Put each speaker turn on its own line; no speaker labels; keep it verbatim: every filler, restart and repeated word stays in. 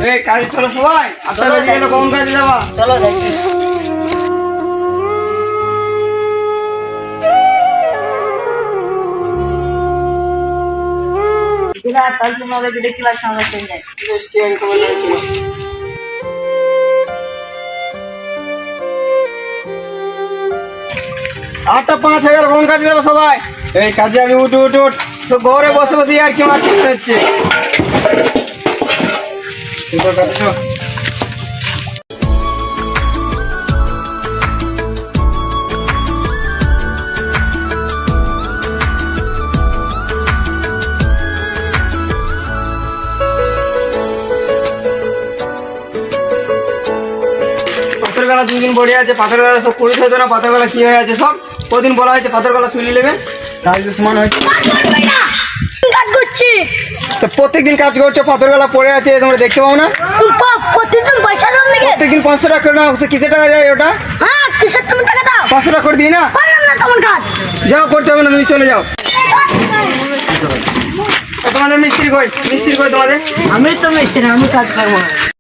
এই কাজে চলো সবাই, আটটা বেজে গেল, কোন কাজে যাবা?
চলো দেখি। তাহলে তোমাদেরকে দেখতে লাগছে আমার সঙ্গে।
আটটা পাঁচ হাজার, কোন কাজে যাবো সবাই? এই কাজে আমি উঠ উঠ উঠ, তো ঘরে বসে বসে আর কি মারতে হচ্ছে। পাথর গালা দুদিন পড়ে আছে, পাথর গালা সব কুড়ি হতো না, পাথর গালা কি হয়ে আছে সব কদিন বলা হয়েছে পাথর গালা তুলে নেবে, কাজ তো সমান হয়েছে।
কাজ করছি
তো প্রত্যেকদিন কাজ করছো, পাথর গালা পড়ে আছে, তোমরা দেখতে পাও না?
প্রতিদিন পয়সা দাও নাকি?
প্রত্যেকদিন পাঁচশো টাকা করে নাও, কিসে টাকা যায় ওটা?
হ্যাঁ কিসের তুমি টাকা দাও?
পাঁচশো টাকা করে দিই না?
করলাম না তোমার কাজ।
যাও, করতে হবে না, তুমি চলে যাও। তো তোমাদের মিস্ত্রি কই? মিস্ত্রি কই তোমাদের?
আমি তো মিস্ত্রি, আমি কাজ করবো না।